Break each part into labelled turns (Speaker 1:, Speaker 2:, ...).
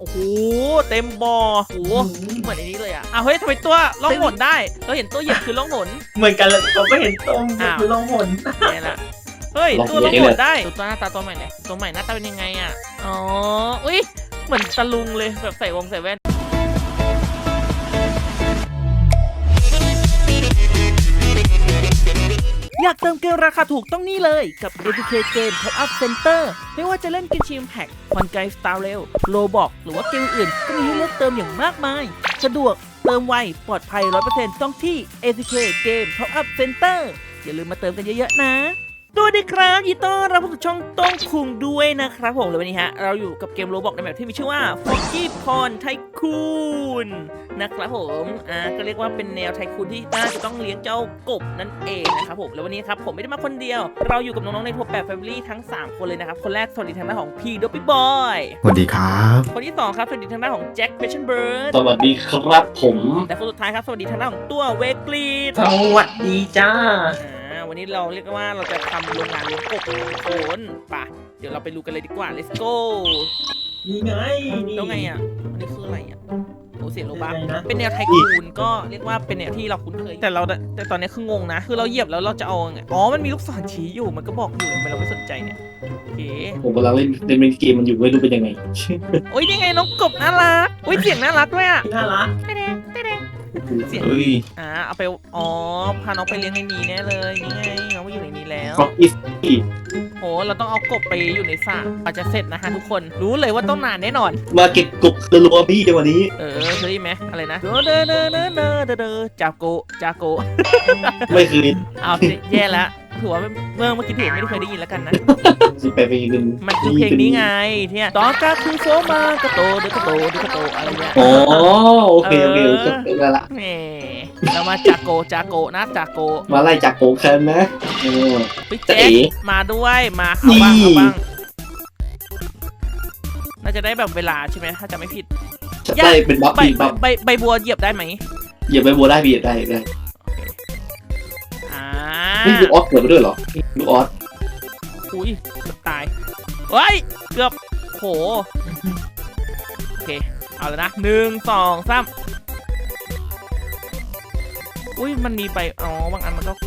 Speaker 1: อ้โหเต็มบ่อโอ้โหเหมือนในนี้เลยอ่ะเฮ้ยทำไมตัวล่องหนได้เราเห็นตัวเหยียบคือล่องหน
Speaker 2: เหมือนกันเลยผมก็เห็นตรงคือลงหน
Speaker 1: เนี่ยละเฮ้ยตัวล่องหนได้ตัวหน้าตาตัวใหม่เลยตัวใหม่หน้าตาเป็นยังไงอ่ะอ๋ออุ้ยเหมือนตะลุงเลยแบบใส่วงใส่แว่นอยากเติมเกมราคาถูกต้องนี่เลยกับ APK Game Top Up Center ไม่ว่าจะเล่นกินชิมแพ็กคอนไกสตาร์เรลโลบอกหรือว่าเกมอื่นก็มีให้เลือกเติมอย่างมากมายสะดวกเติมไวปลอดภัย 100% ต้องที่ APK Game Top Up Center อย่าลืมมาเติมกันเยอะๆนะสวัสดีครับยินดีต้อนรับเข้าสู่ช่องต้องคุงด้วยนะครับผมและวันนี้เราอยู่กับเกมโรบอกในแบบที่มีชื่อว่า Foggy Pond Tycoon นะครับผมก็เรียกว่าเป็นแนวไทคูนที่น่าจะต้องเลี้ยงเจ้ากบนั่นเองนะครับผมแล้ววันนี้ครับผมไม่ได้มาคนเดียวเราอยู่กับน้องๆในทัวร์8 Family ทั้ง3คนเลยนะครับคนแรกสวัสดีทางด้านของพี่ดอปปี้บอย
Speaker 3: สวัสดีครับ
Speaker 1: คนที่2ครับสวัสดีทางด้านของแจ็คเพชชั่นเบิร์ด
Speaker 4: สวัสดีครับผม
Speaker 1: และคนสุดท้ายครับสวัสดีทางด้านของตัวเวกลีด
Speaker 2: สวัสดีจ้า
Speaker 1: วันนี้เราเรียกว่าเราจะทำโรงงานเลี้ยงกบโคนป่ะเดี๋ยวเราไปดูกันเลยดีกว่า let's go
Speaker 2: นี่ไงนี่
Speaker 1: แล้วไงอ่ะอันนี้คืออะไรอ่ะโอ้เสียโลบัค
Speaker 2: เป็นไงนะ
Speaker 1: เป็นแนวไทคูนก็เรียกว่าเป็นแนวที่เราคุ้นเคยแต่ตอนนี้คืองงนะคือเราเหยียบแล้วเราจะเอาไงอ๋อมันมีลูกศรชี้อยู่มันก็บอกอยู่ทำไมเราไม่สนใจเนี่ยโอเค
Speaker 4: ผมกำลังเล่นเกมมันอยู่ไม่รู้เป็นยังไง
Speaker 1: โอ้ยนี่ไงน้องกบน่ารักโอ้ยเสียงน่ารักด้วยอ่ะ
Speaker 2: น่ารัก
Speaker 1: เต้เต้เสียง
Speaker 4: เฮ้ย
Speaker 1: เอาไปอ๋อพาน้องไปเลี้ยงในนี้แน่เลยนี่ไงน้องมาอยู่ในนี้แล้ว
Speaker 4: ฟ็อกกี้
Speaker 1: โหเราต้องเอากบไปอยู่ในสระอาจจะเสร็จนะฮะทุกคนรู้เลยว่าต้องนานแน่นอน
Speaker 4: มาเก็บกบรัวๆพี่วันนี้
Speaker 1: เคยได้ไหมอะไรนะเดจากโก
Speaker 4: ไม่คืน
Speaker 1: เอาแย่แล้วถือว่าเมื่อกี้ถือไม่ได้เคยได้ยินแล้วกันนะ
Speaker 4: สิไปอีกหนึ่ง
Speaker 1: มันคือเพลงนี้ไงที่ตอกาคือโฟมากระโตเดกระโตอะไรเนี่ย
Speaker 4: อ๋อโอเคได้ละ
Speaker 1: แหมเรามาจากโกนะจากโก
Speaker 4: มาไล่จากโกแคนนะ
Speaker 1: พี่แจ๊คมาด้วยมาเอาบ้างน่าจะได้แบบเวลาใช่ไหมถ้าจะไม่ผิด
Speaker 4: จะได้เป็นบัฟปีบัฟ
Speaker 1: ใบบัวเหยียบได้ไหม
Speaker 4: เหยียบใบบัวได้พี่ได้ นี่ดูออสเกิดมาด้วยเหรอดูออส
Speaker 1: อุ้ยเกือบตายเฮ้ยเกือบโหโอเคเอาเลยนะ1 2 3อุ้ยมันมีใบบางอันมันก็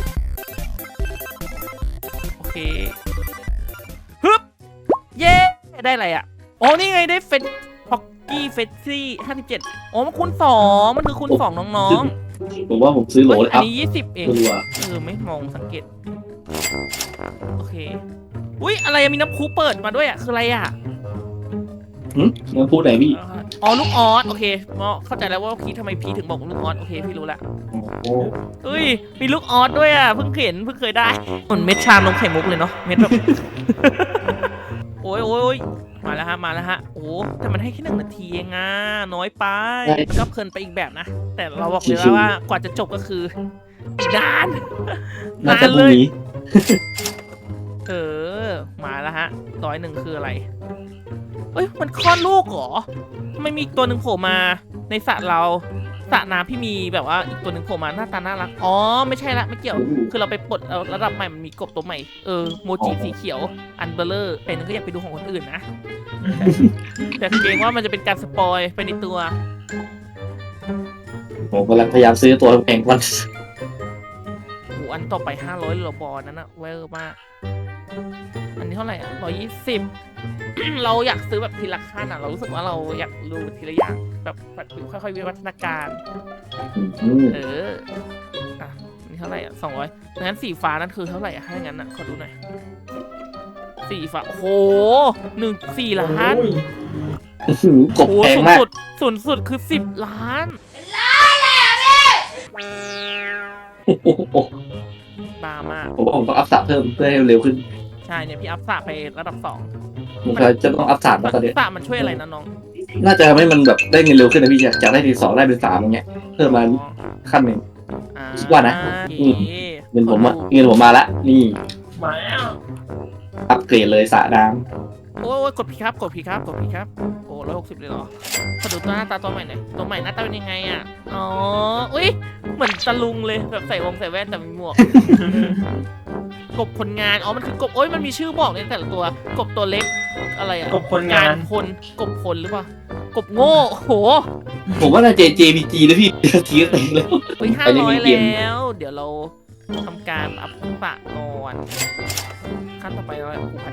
Speaker 1: โอเคฮึบเย้ได้อะไรอ่ะอ๋อนี่ไงได้เฟสพ็อกกี้เฟสซี่57อ๋อมันคูณ2มันคือคูณ2น้องๆ
Speaker 4: ผมว่าผมซื้อโหลเลย
Speaker 1: อั
Speaker 4: อั
Speaker 1: นนี้20เองไม่มองสังเกตโอเคอุ้ยอะไรมีน้ำพุเปิดมาด้วยอ่ะคืออะไรอ่ะ
Speaker 4: มันพูดไหนพี่
Speaker 1: อ๋อลูกออสโอเคเข้าใจแล้วว่าพีทำไมพีถึงบอกลูกออสโอเคพี่รู้ละเฮ้ยมีลูกออสด้วยอ่ะเพิ่งเคยได้เหมือนเม็ดชานมไข่มุกเลยเนาะเม็ดแบบ โอ้ยมาแล้วฮะโอ้แต่มันให้แค่1 นาทีเองอ่ะน้อยไปก็เพลินไปอีกแบบนะแต่เราบอกเลยว่ากว่าจะจบก็คือนานเลยมาแล้วฮะ101คืออะไรเอ้ยมันคลอดลูกเหรอไม่มีอีกตัวหนึ่งโผล่มาในสระเราสระน้ำพี่มีแบบว่าอีกตัวหนึ่งโผล่มาหน้าตาน่ารักอ๋อไม่ใช่ละไม่เกี่ยวคือเราไปปลดระดับใหม่มันมีกบตัวใหม่โมจิสีเขียวอันเบลเลอร์เป็นก็อยากไปดูของคนอื่นนะแต่เกรงว่ามันจะเป็นการสปอยไปในตัว
Speaker 4: ผมกำลังพยายามซื้อตัวแข่งวัน
Speaker 1: อันต่อไป500หรอบอลนั้นอะเวอร์มากอันนี้เท่าไหร่อะ120 เราอยากซื้อแบบทีละขั้นอะเรารู้สึกว่าเราอยากรู้ทีละอย่างแบบค่อยๆวิวัฒนาการนี่เท่าไหร่อะ200งั้นสีฟ้านั่นคือเท่าไหร่อะให้งั้นอะขอดูหน่อยสีฟ้าโอ้โห4 ล้าน
Speaker 4: กบแพงมาก
Speaker 1: สูงสุดคือ10 ล้านบ้ามาก
Speaker 4: ผมว่าผมต้องอัพสระเพิ่มเพื่อให้เร็วขึ้น
Speaker 1: ใช่เนี่ยพี่อัพสระไประดับ2
Speaker 4: ผมจะต้องอัพสระมาตอนนี้
Speaker 1: สระมันช่วยอะไรนะน้อง
Speaker 4: น่าจะทำให้มันแบบได้เงินเร็วขึ้นนะพี่จากได้ที่2ได้เป็น3อย่างเงี้ยเพิ่มมาขั้นหนึ่งคิดว่านะเงินผมมาละนี่
Speaker 2: มาแล้ว
Speaker 4: อัพเกรดเลยสระน้
Speaker 1: ำโอ้ยกดพีครับโอ้160เลยเหรอขอดูตัวหน้าตาตัวใหม่หน่อยตัวใหม่หน้าตาเป็นยังไงอ่ะอ๋ออุ้ยเหมือนตะลุงเลยแบบใส่วงใส่แว่นแต่มีหมวกกบคนงานอ๋อมันคือกบโอ้ยมันมีชื่อบอกในแต่ละตัวกบตัวเล็กอะไรอ่ะ
Speaker 2: กบคนงาน
Speaker 1: คนกบคนหรือเปล่ากบโง่โห
Speaker 4: ผมว่าน่าจะ JPG นะพี่ทีก็เต็งแล้ว
Speaker 1: เฮ้ย
Speaker 4: ไปเล่น
Speaker 1: 500
Speaker 4: เกม
Speaker 1: แล้ว เดี๋ยวเราทำการอัพปะก่อนขั้นต่อไปเรา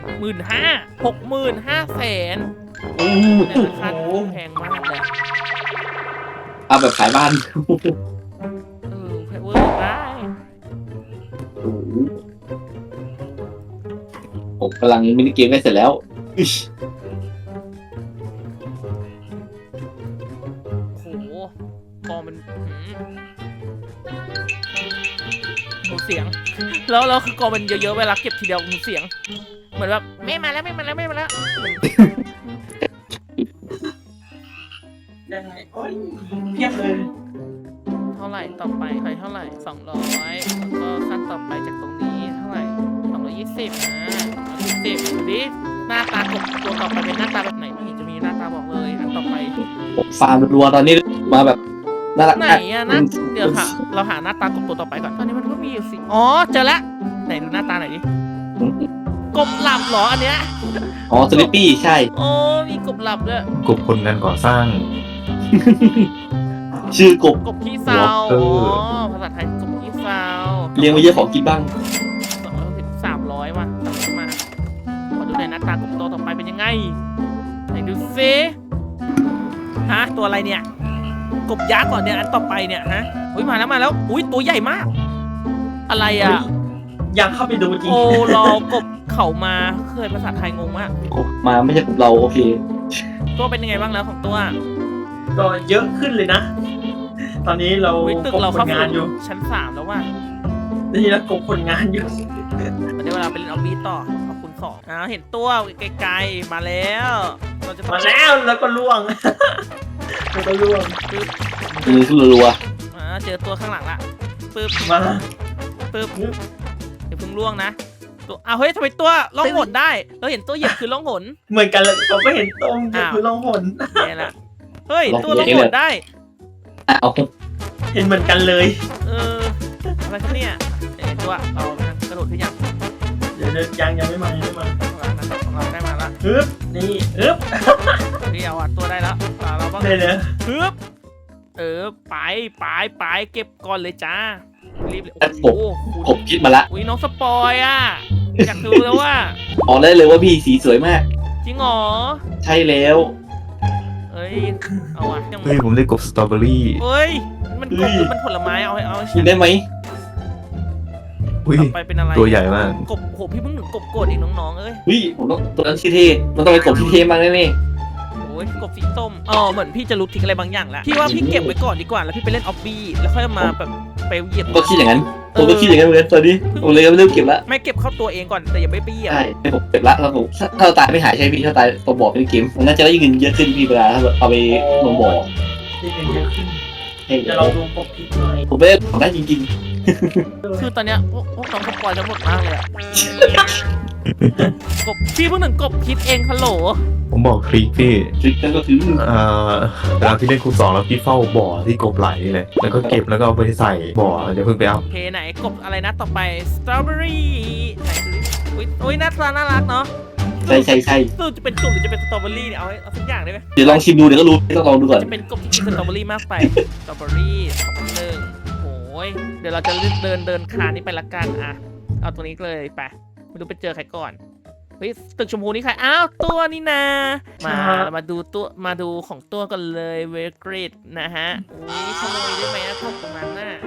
Speaker 1: 15,000
Speaker 2: โอ้โห
Speaker 1: แต่ราคาแพงมากเลย
Speaker 4: เอาแบบขายบ้าน
Speaker 1: แพงเวอร์ได้
Speaker 4: ผมกำลังมินิเกมได้เสร็จแล้วอิ๊ย
Speaker 1: โหกองมันหมูเสียงแล้วคือกองมันเยอะๆเวลาเก็บทีเดียวหมูเสียงเหมือนแบบไม่มาแล้ว
Speaker 2: ได้โอ้ยเพียบเลย
Speaker 1: เท่าไหร่ต่อไปใครเท่าไหร่200แล้วก็ขั้นต่อไปจากตรงนี้เท่าไหร่220นะ220ดูดิหน้าตากบตัวต่อไปเป็นหน้าตาแบบไหนไม่เห็นจะมีหน้าตาบอกเลยอันต่อไป
Speaker 4: ผมฟาร์มรัวๆตอนนี้มาแบบน่ารัก
Speaker 1: ไหนอะนะเดี๋ยวค่ะเราหาหน้าตากบตัวต่อไปก่อนตอนนี้มันก็มีอยู่สิอ๋อเจอแล้วไหนดูหน้าตาหน่อยดิกบหลับเหรออันเนี้ย
Speaker 4: อ๋อสลิปปี้ใช่
Speaker 1: โอ้มีกบหลับด้วย
Speaker 3: กลุ่มคนงานก่อสร้าง
Speaker 4: ชื่อกบ
Speaker 1: กบขี้เศร้าอ๋อภาษาไทยกบขี้เศร้า
Speaker 4: เลี้ยงไว้เยอะของกินบ้าง
Speaker 1: 300ว่ะ300มาขอดูหน่อยหน้าตากบตัวต่อไปเป็นยังไงไหนดูซิฮะตัวอะไรเนี่ยกบยักษ์ก่อนเนี่ยอันต่อไปเนี่ยฮะอุ้ยมาแล้วอุ้ยตัวใหญ่มาก อะไรอ่ะ
Speaker 2: อยากเข้าไปดูจริง
Speaker 1: โอ้รอกบเข่ามาเคยภาษาไทยงงมาก
Speaker 4: กบมาไม่ใช่กบเราโอเค
Speaker 1: ตัวเป็นยังไงบ้างแล้วของตัว
Speaker 2: ก็เยอะขึ้นเลยนะ ตอนนี้เรา
Speaker 1: อุ้ยตึก
Speaker 2: กบ
Speaker 1: เรา
Speaker 2: ค
Speaker 1: เข้าน
Speaker 2: งานอยู่
Speaker 1: ชั้น3แล้วว่ะ
Speaker 2: นี่แล้วกบคนงานอยู่
Speaker 1: เดี๋ยวเวลาไปเล่นออบบี้ต่อเอาคูณ2เห็นตัวไกลๆมาแล้วเราจะ
Speaker 2: มาแล้วแล้วก็ล่วง แล้วก็ล่วง
Speaker 1: ปึ๊บ
Speaker 4: มือขึ้นรัว
Speaker 1: เจอตัวข้างหลังละปึ๊บ
Speaker 2: มา
Speaker 1: ปึ๊บเดี๋ยวเพิ่งล่วงนะตัวเฮ้ยทำไมตัวล่องหนได้เราเห็นตัวเหยียบคือล่องหน
Speaker 2: เหมือนกันเลยผมก็เห็นตรงคือล่องหน
Speaker 1: แย่ละเฮ้ยตัวล่องหนได้
Speaker 4: ๆเอา
Speaker 2: เห็นเหมือนกันเลย
Speaker 1: อะไรครับเนี่ยตัวเรากระโดดขึ้นยัง
Speaker 2: เดี๋ยวยังไม่มายังไม่มา
Speaker 1: ของเราได้มาละ
Speaker 2: ฮึบนี่ฮึบ
Speaker 1: พี่เอาตัวได้แล้วเราบ้าง
Speaker 2: ได้เลย
Speaker 1: ฮึบไปเก็บก่อนเลยจ้ารีบเลยโอ้โห
Speaker 4: กบคิดมาละ
Speaker 1: อุ้ยน้องสปอยอ่ะอยากดูแล้วว่า
Speaker 4: บอกได้เลยว่าพี่สีสวยมาก
Speaker 1: จริงเหรอ
Speaker 4: ใช่แล้ว
Speaker 1: เอ้ยเอาอ่ะยัง
Speaker 3: เฮ้ยผมได้กบสตรอเบอรี่
Speaker 1: เฮ้ยมันกบหรือมันผลไม้เอาให้
Speaker 4: กินได้ไหม
Speaker 3: อุ้ย
Speaker 1: ต่อไปเป็นอะไร
Speaker 3: ตัวใหญ่มาก
Speaker 1: กบโหพี่เพิ่งถึงกบโกรธอีกน้องๆเอ้ย
Speaker 4: เฮ้ยผมต้องตัวนั้นชื่อเท่มันต้องเป็นกบที่เท่มากแน่
Speaker 1: โอ้ยกบสีส้มเหมือนพี่จะรู้ทิกอะไรบางอย่างแล้วพี่ว่าพี่เก็บไว้ก่อนดีกว่าแล้วพี่ไปเล่นออบบี้แล้วค่อยมาแบบไปเหยียบ
Speaker 4: ๆก็คิดอย่างนั้นผมก็คิดอย่างนั้นเหมือนกันตอนนี้ผมเลยเริ่มเก็บละ
Speaker 1: ไม่เก็บเข้าตัวเองก่อนแต่อย่าไปเหยียบ
Speaker 4: ใช่ผมเก็บละแล้วผมถ้าเราตายไม่หายใช่พี่ถ้าตายตัวบอกเป็นเกมมันน่าจะได้เงินเยอะขึ้นพี่เวลาถ้าเอาไปลงบ่อ
Speaker 2: นี่เงินเยอะขึ้น
Speaker 4: ให้
Speaker 2: เดี๋ยวเราดูกบผิดหน่อย
Speaker 4: ผมไม่ได้ของได้จริง
Speaker 1: คือตอนเนี้ยพวกน้องสปอยทั้งหมดมากเลยอะกบพี่เพิ่งถึงกบคิดเองฮัลโหล
Speaker 3: ผมบอกทริคพี่
Speaker 4: ๆทริคนั่นก็คือ
Speaker 3: เวลาพี่เล่นคูณ 2แล้วพี่เฝ้าบ่อที่กบไหลเลย แล้วก็เก็บแล้วก็เอาไปใส่บ่อเดี๋ยวเพิ่งไปเอา
Speaker 1: โอเคไหนกบอะไรนะต่อไปสตรอเบอรี่ไหนดูดิอุ้ยหน้าตาน่ารักเนาะ
Speaker 4: ใช่
Speaker 1: สู้จะเป็นกบหรือจะเป็นสตรอเบอรี่เนี่ยเอาสักอย่างได้ไหม
Speaker 4: เดี๋ยวลองชิมดูเดี๋ยวก็รู้ต้องลองดูก่อน
Speaker 1: จะเป็นกบที่กินสตรอเบอรี่มากไปสตรอเบอรี่2-1โอ้ยเดี๋ยวเราจะเดินคานนี้ไปละกันอ่ะเอาตัวนี้เลยไปไม่รู้ไปเจอใครก่อนเฮ้ยตึกชมพูนี่ใครอ้าวตัวนี่นามาดูของตัวกันเลยเวกริดนะฮะอุ้ยขโมยได้ไหมนะพวกตรงนั้นน่ะ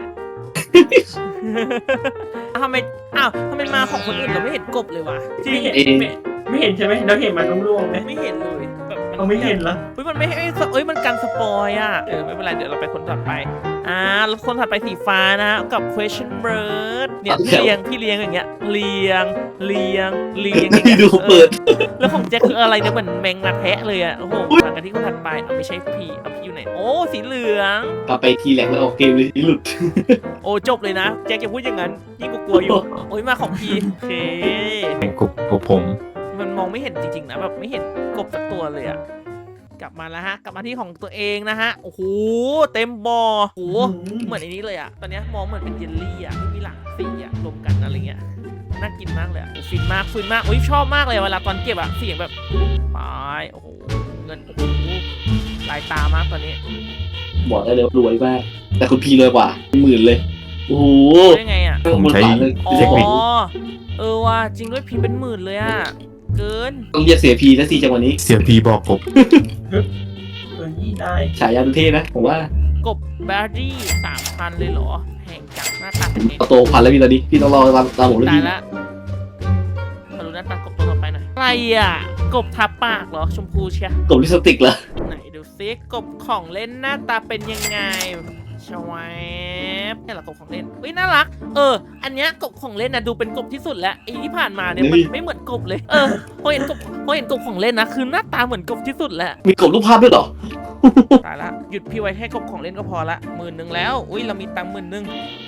Speaker 1: ทำไมมาของคนอื่นเราไม่เห็นกบเลยวะ
Speaker 2: ไม่เห็นใช่ไหมเราเห็นมันล่วงๆไหม
Speaker 1: ไม่เห็นเลยแบบ
Speaker 2: เราไม่เห็นเหรอ
Speaker 1: เฮ้ยมันไม่ให้มันกันสปอยอ่ะไม่เป็นไรเดี๋ยวเราไปคนถัดไปแล้วคนถัดไปสีฟ้านะกับ question bird เนี่ยพี่เลี้ยงอย่างเงี้ยเลี้ยงอย่างเงี้ย
Speaker 4: ดูเปิด
Speaker 1: แล้วของแจ็คคืออะไรเนี่ยเหมือนแมงนาแทะเลยอ่ะโอ้โหมากันที่คนถัดไปไม่ใช่พี่อยู่ไหนโอ้สีเหลือง
Speaker 4: กลับไปทีแรกแล้วออกเกมเลยหลุด
Speaker 1: โอ้จบเลยนะแจ็คอย่าพูดอย่างนั้นยิ่งกลัวอยู่โอ้ยมาของพี่โอเค
Speaker 3: กบผม
Speaker 1: มันมองไม่เห็นจริงๆนะแบบไม่เห็นกบสักตัวเลยอะกลับมาแล้วฮะกลับมาที่ของตัวเองนะฮะโอ้โหเต็มบอโอ้โหเหมือนไอ้นี้เลยอะตอนนี้มองเหมือนเป็นเยลลี่อะที่มีหลากสีอะรวมกันอะไรเงี้ยน่ากินมากเลยอะฟินมากอุ้ยชอบมากเลยเวลาตอนเก็บอะเสียงแบบไปโอ้โหเงินโอ้โหลายตามากตอนนี้
Speaker 4: บอกได้เลยว่ารวยมากแต่คุณพีรวยกว่าหมื่นเลยโอ้โห
Speaker 1: ได้ไงอ่ะ
Speaker 3: ผมใช้
Speaker 1: อ๋อ
Speaker 3: เทคนิค
Speaker 1: ว่าจริงด้วยพิมพ์เป็นหมื่นเลยอ่ะเกิน
Speaker 4: ต้องเรียกเสียพีแล้วสิจังหวะนี้
Speaker 3: เสียพีบอกกบ
Speaker 2: นี่ได้
Speaker 4: ฉายาดูเท่นะผมว่าก
Speaker 1: บแบร์รี่3,000เลยเหรอแพงจังหน้าตาเป็นไง
Speaker 4: เอาโตพันแล้วพี่ตอนนี้พี่ต้องรอตามผมแล้ว
Speaker 1: ตาย
Speaker 4: พี่
Speaker 1: ละมาดูหน้าตากบตัวต่อไปหน่อยอะไรอ่ะกบทับปากเหรอชมพูเชีย
Speaker 4: กบลิปสติกเหรอ
Speaker 1: ไหนดูซิกบของเล่นหน้าตาเป็นยังไงชวบนี่แหละกบของเล่นเฮ้ยน่ารักอันเนี้ยกบของเล่นนะดูเป็นกบที่สุดแล้วไอ้ที่ผ่านมาเนี่ยมันไม่เหมือนกบเลยพอเห็นกบของเล่นนะคือหน้าตาเหมือนกบที่สุดแหละ
Speaker 4: มีกบรูปภาพด้วยเหรอ
Speaker 1: ตายละหยุดพี่ไว้แค่กบของเล่นก็พอละ10,000แล้วอุ้ยเรามีตังค์10,000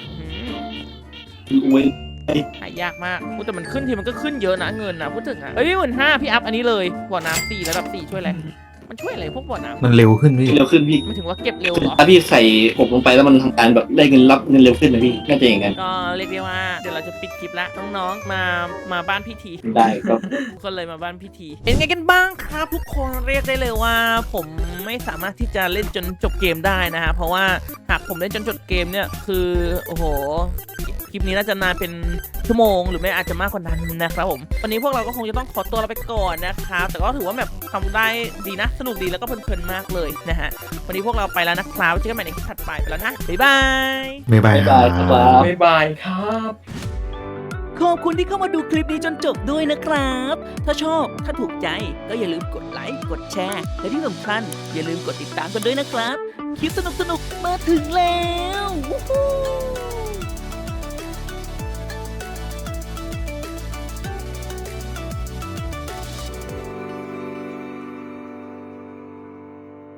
Speaker 4: อวย
Speaker 1: หายากมากพูดแต่มันขึ้นทีมันก็ขึ้นเยอะนะเงินนะพูดถึงอะเฮ้ย15,000พี่อัพอันนี้เลยบ่อน้ำ4ระดับ4ช่วยอะไรมันช่วยอะไรพวกบ่อน้ำ
Speaker 3: มันเร็วขึ้นพี่
Speaker 4: เร็วขึ้นพี่
Speaker 1: ไม่ถึงว่าเก็บเร็วเหรอ
Speaker 4: ถ้าพี่ใส่กบลงไปแล้วมันทำการแบบได้เงินรับเงินเร็วขึ้นนะพี่น่าจะอย่างนั้น
Speaker 1: ก็เรียกได้ว่าเดี๋ยวเราจะปิดคลิปละน้องๆมาบ้านพี่ที
Speaker 4: ได้ครับ
Speaker 1: ทุกคนเลยมาบ้านพี่ทีเป็นไงกันบ้างครับทุกคนเรียกได้เลยว่าผมไม่สามารถที่จะเล่นจนจบเกมได้นะฮะเพราะว่าหากผมเล่นจนจบเกมเนี่ยคือโอ้โหคลิปนี้น่าจะนานเป็นชั่วโมงหรือไม่อาจจะมากกว่านั้นนะครับผมวันนี้พวกเราก็คงจะต้องขอตัวเราไปก่อนนะครับแต่ก็ถือว่าแบบทำได้ดีนะสนุกดีแล้วก็เพลินๆมากเลยนะฮะวันนี้พวกเราไปแล้วนะครับเจอกันใหม่ในคลิปถัดไปแล้วนะบ๊ายบาย
Speaker 3: บ๊ายบาย
Speaker 4: บ๊ายบายครับ
Speaker 2: บ๊ายบายครับ
Speaker 1: ขอบคุณที่เข้ามาดูคลิปนี้จนจบด้วยนะครับ ถ้าชอบ ถ้าถูกใจ ก็อย่าลืมกดไลค์ กดแชร์ และที่สำคัญอย่าลืมกดติดตามกันด้วยนะครับ คลิปสนุกๆ มาถึงแล้ว วู้ฮู้